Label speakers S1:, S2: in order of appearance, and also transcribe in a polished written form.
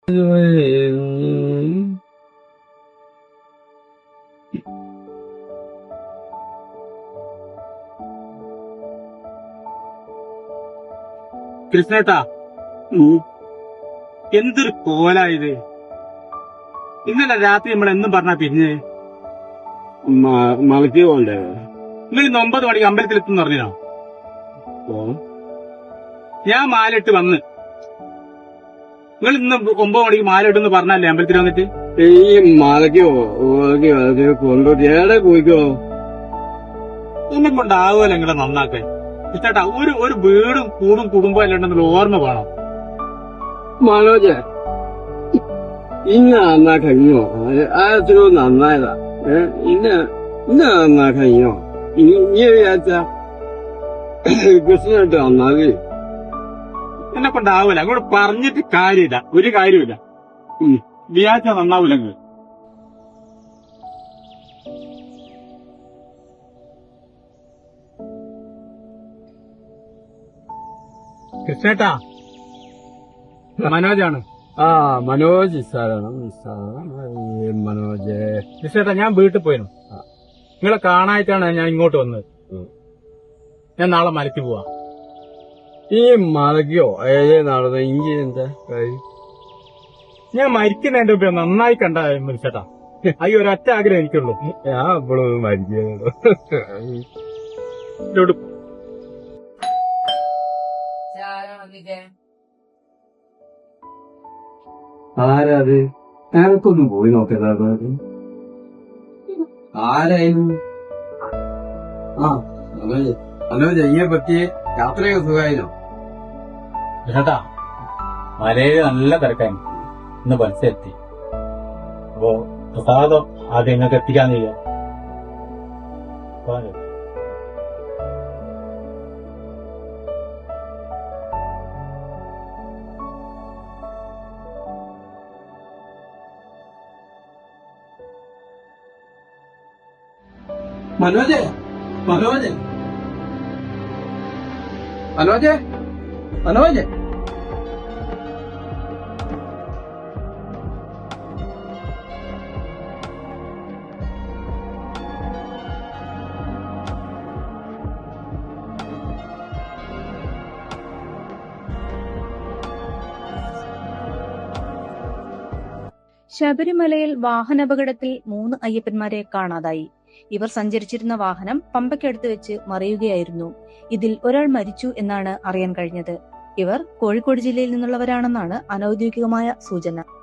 S1: കൃഷ്ണേട്ടാ, എന്തൊരു കോലായത്. ഇന്നലെ രാത്രി നമ്മൾ എന്നും പറഞ്ഞാ പിന്നെ
S2: മലക്ക് പോണ്ടേ?
S1: നിങ്ങൾ ഇന്ന് 9 മണിക്ക് അമ്പലത്തിലെത്തുന്ന് പറഞ്ഞോ? ഞാൻ മാലിട്ട് വന്ന്, നിങ്ങൾ ഇന്ന് 9 മണിക്ക് മാലിട്ടെന്ന് പറഞ്ഞല്ലേ അമ്പലത്തിൽ വന്നിട്ട്?
S2: ഈ മലക്ക് കൊണ്ടോട്ട് ഏടെ പോയിക്കോ?
S1: എന്നെ കൊണ്ടാവുമല്ലോ നിങ്ങളെ നന്നാക്കാൻ. കൃഷ്ണേട്ടാ, ഒരു വീടും കൂടും കുടുംബം അല്ലെന്നുള്ള ഓർമ്മ വേണം.
S2: മനോജ്, ഇന്ന നന്നാ കഴിഞ്ഞോ? എത്രയോ നന്നായതാ. ഇന്ന നന്നാ കഴിഞ്ഞോ? ഇനി വിചാരിച്ച കൃഷ്ണനായിട്ട് നന്നാകെ
S1: എന്നെ കൊണ്ടാവൂല. അങ്ങോട്ട് പറഞ്ഞിട്ട് കാര്യമില്ല, ഒരു കാര്യമില്ല. വിചാരിച്ചാ നന്നാവൂല. നിങ്ങൾ കൃഷ്ണേട്ടാ, മനോജാണ്.
S2: മനോജ് സാറാണ്. മനോജ്
S1: കൃഷ്ണേട്ടാ, ഞാൻ വീട്ടിൽ പോയിരുന്നു. നിങ്ങളെ കാണാനായിട്ടാണ് ഞാൻ ഇങ്ങോട്ട് വന്നത്. ഞാൻ നാളെ മലയ്ക്ക് പോവാ.
S2: ഈ മലക്കോ ഏതേ നടന്ന ഇഞ്ചി എന്താ കാര്യം?
S1: ഞാൻ മരിക്കുന്നതിന്റെ മുമ്പ് നന്നായി കണ്ട മനുഷ്യട്ടാ. അയ്യോ, ഒരൊറ്റ ആഗ്രഹം എനിക്കുള്ളൂ.
S2: ഞാൻ എപ്പോഴും മരിക്കുന്നുള്ളൂ. ആരാത്? ഞാനൊക്കൊന്നും പോയി നോക്കതാ. ആരായിരുന്നു? മനോജ്, അയ്യെ പറ്റി യാത്രയൊക്കെ സുഖമായിരുന്നോ?
S1: ചേട്ടാ, മലയില് നല്ല തിരക്കായിരുന്നു. ഇന്ന് ബസ് എത്തി. അപ്പോ പ്രസാദം ആദ്യം നിങ്ങൾക്ക് എത്തിക്കാന്ന് ചെയ്യാം.
S2: മനോജ്, മനോജ്, മനോജ്, മനോജ്.
S3: ശബരിമലയിൽ വാഹനാപകടത്തിൽ 3 അയ്യപ്പന്മാരെ കാണാതായി. ഇവർ സഞ്ചരിച്ചിരുന്ന വാഹനം പമ്പയ്ക്കടുത്ത് വെച്ച് മറിയുകയായിരുന്നു. ഇതിൽ ഒരാൾ മരിച്ചു എന്നാണ് അറിയാൻ കഴിഞ്ഞത്. ഇവർ കോഴിക്കോട് ജില്ലയിൽ നിന്നുള്ളവരാണെന്നാണ് അനൌദ്യോഗികമായ സൂചന.